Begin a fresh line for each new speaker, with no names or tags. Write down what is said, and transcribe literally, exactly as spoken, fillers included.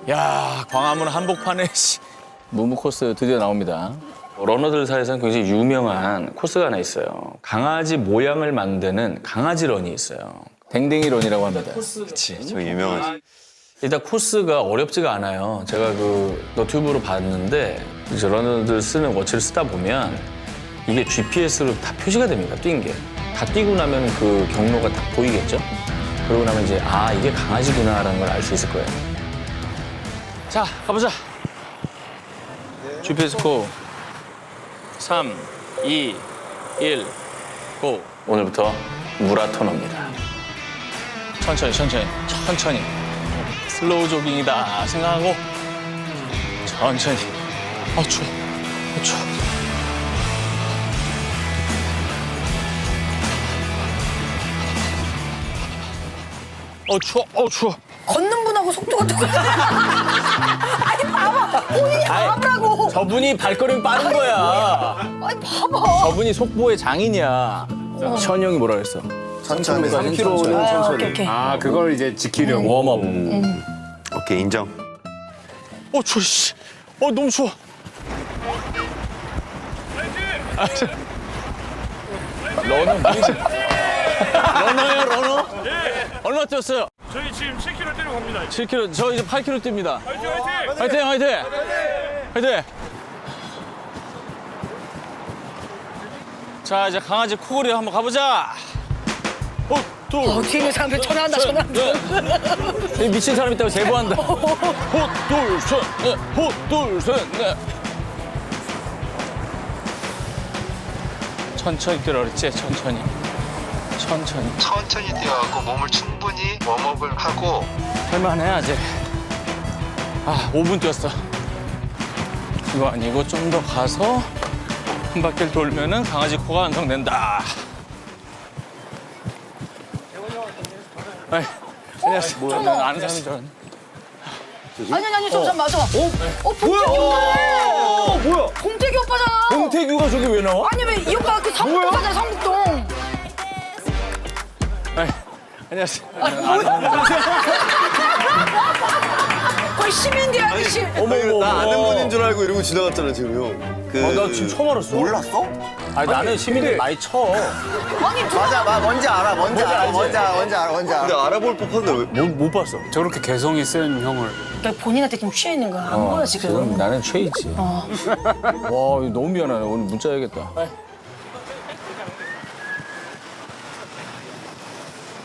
야, 광화문 한복판에 씨, 무무 코스 드디어 나옵니다. 러너들 사이에서는 굉장히 유명한 코스가 하나 있어요. 강아지 모양을 만드는 강아지 런이 있어요. 댕댕이 런이라고 합니다.
그치, 저 유명하지.
일단 코스가 어렵지가 않아요. 제가 그 너튜브로 봤는데 이제 러너들 쓰는 워치를 쓰다 보면 이게 지피에스로 다 표시가 됩니다. 뛴 게. 다 뛰고 나면 그 경로가 딱 보이겠죠? 그러고 나면 이제 아 이게 강아지구나라는 걸 알 수 있을 거예요. 자, 가보자. 지피에스 고. 삼, 이, 일, 고. 오늘부터 무라토너입니다. 천천히, 천천히, 천천히. 슬로우 조깅이다 생각하고 천천히. 어, 추워. 어, 추워. 어, 추워. 어, 추워.
걷는 분하고 속도가 똑같아. 아니 봐봐. 본인이 봐보라고.
저분이 발걸음이 빠른 거야.
아니 봐봐.
저분이 속보의 장인이야. 션 형이 뭐라 그랬어?
천천히.
삼 킬로미터는
아,
천천히.
오케이 오케이.
아, 그걸 이제 지키려고.
웜업.
오케이, 인정.
어, 추워, 씨. 어, 너무 추워. 아, 저... 러너, 뭐지? 러너예요, 러너? 얼마 뛰었어요?
저희 지금 칠 킬로미터 뛰러 갑니다.
칠 킬로미터. 저 이제 팔 킬로미터 뜁니다.
화이팅 화이팅!
화이팅, 화이팅! 화이팅! 자, 이제 강아지 코골이 한번 가보자. 어, 둘.
어, 뒤에 있는 사람들 전화한다 전화한다.
이 미친 사람 있다고 제보한다. 호, 둘, 셋, 넷. 호, 둘, 셋, 넷. 천천히 뛰라 그랬지? 천천히. 천천히.
천천히 뛰어가고 몸을 충분히 웜업을 하고
할만해, 아직. 아, 오 분 뛰었어. 이거 아니고 좀 더 가서 한 바퀴를 돌면은 강아지 코가 완성된다. 아이, 안녕하세요. 뭐야, 난 아는 사람인 줄 알았네.
아니 아니 아니 잠깐 맞아. 어? 어 봉태규 오빠.
뭐야?
봉태규 오빠잖아.
봉태규가 저기 왜 나와?
아니 왜 이 오빠 그 성북동 가잖아 성북동.
아이, 안녕하세요.
거의 시민들 아저씨.
어머, 어머,
나 아는
어머.
분인 줄 알고 이러고 지나갔잖아, 지금 형. 그...
아, 나 지금 처음 알았어.
몰랐어?
아니, 나는 시민들 많이 쳐.
아니 누가
맞아, 마, 뭔지 알아, 뭔지 알아,
알지?
뭔지 알아, 뭔지 알아, 뭔지
근데
알아.
알아볼 법한데 왜?
못, 못 봤어.
저렇게 개성이 센 형을.
그러니까 본인한테 지금 취해 있는 거야. 안 보여 지금.
지금 나는 최이지. 와, 이거 너무 미안하네. 오늘 문자 해야겠다.